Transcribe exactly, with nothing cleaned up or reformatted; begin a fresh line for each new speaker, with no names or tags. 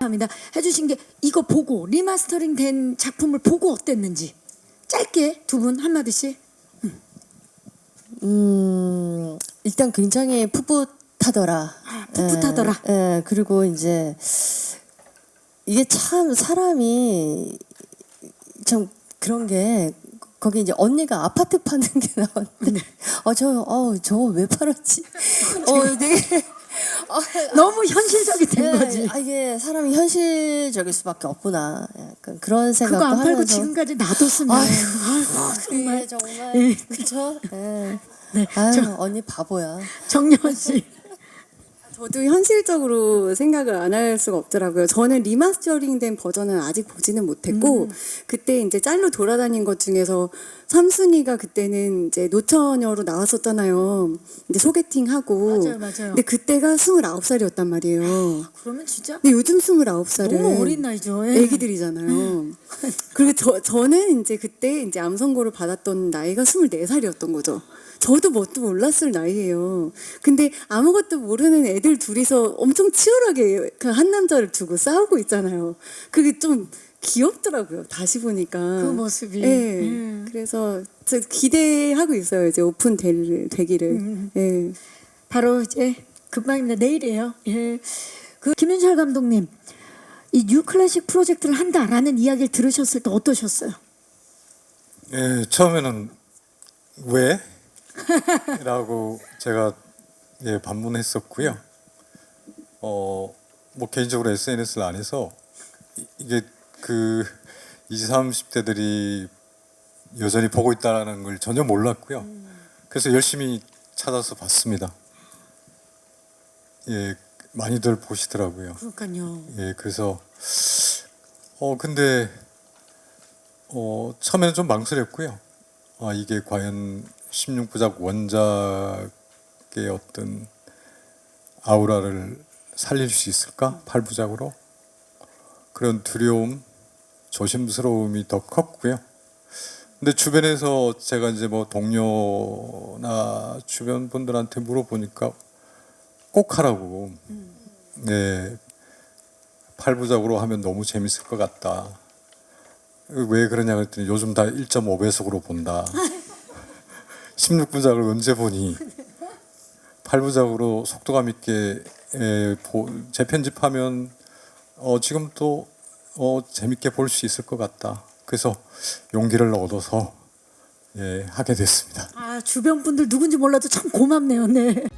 합니다. 해주신 게 이거 보고 리마스터링 된 작품을 보고 어땠는지 짧게 두 분 한마디씩.
음, 일단 굉장히 풋풋하더라.
아, 풋풋하더라.
예, 예, 그리고 이제 이게 참 사람이 참 그런 게 거기 이제 언니가 아파트 파는 게 나왔는데 어, 저, 어, 저거 왜 팔았지? 어, 되게 어,
너무 현실적이 된
예,
거지.
아, 이게 사람이 현실적일 수밖에 없구나. 약간 그런 생각도
그거 안 팔고
하면서
지금까지 놔뒀으면
아유,
아유, 정말.
정말 정말
예.
그렇죠. 예.
네,
아유,
저-
언니 바보야.
정려원 씨.
저도 현실적으로 생각을 안 할 수가 없더라고요. 저는 리마스터링된 버전은 아직 보지는 못했고
음.
그때 이제 짤로 돌아다닌 것 중에서 삼순이가 그때는 이제 노처녀로 나왔었잖아요. 이제 소개팅하고.
맞아요, 맞아요.
근데 그때가 스물아홉 살이었단 말이에요.
그러면 진짜
근데 요즘 스물아홉 살은
너무 어린 나이죠. 예.
애기들이잖아요. 그리고 저, 저는 이제 그때 이제 암 선고를 받았던 나이가 스물네 살이었던 거죠. 저도 뭣도 몰랐을 나이예요. 근데 아무것도 모르는 애들 둘이서 엄청 치열하게 그 한 남자를 두고 싸우고 있잖아요. 그게 좀 귀엽더라고요. 다시 보니까.
그 모습이.
예.
음.
그래서 저 기대하고 있어요. 이제 오픈 될, 되기를.
음.
예.
바로 이제 금방입니다. 내일이에요. 예. 그 김윤철 감독님, 이 뉴클래식 프로젝트를 한다라는 이야기를 들으셨을 때 어떠셨어요?
예, 처음에는 왜? 라고 제가 예, 반문했었고요. 어, 뭐 개인적으로 에스엔에스를 안 해서 이- 이게 그 이십, 삼십 대들이 여전히 보고 있다는 걸 전혀 몰랐고요. 그래서 열심히 찾아서 봤습니다. 예, 많이들 보시더라고요.
그러니까요.
예, 그래서 어 근데 어 처음에는 좀 망설였고요. 아 이게 과연 십육 부작 원작의 어떤 아우라를 살릴 수 있을까? 팔 부작으로 그런 두려움, 조심스러움이 더 컸고요. 근데 주변에서 제가 이제 뭐 동료나 주변 분들한테 물어보니까 꼭 하라고. 네. 팔 부작으로 하면 너무 재밌을 것 같다. 왜 그러냐 그랬더니 요즘 다 일 점 오 배속으로 본다. 십육 부작을 언제 보니? 팔 부작으로 속도감 있게 에, 보, 재편집하면 어, 지금 또 어, 재밌게 볼 수 있을 것 같다. 그래서 용기를 얻어서 예, 하게 됐습니다.
아, 주변 분들 누군지 몰라도 참 고맙네요. 네.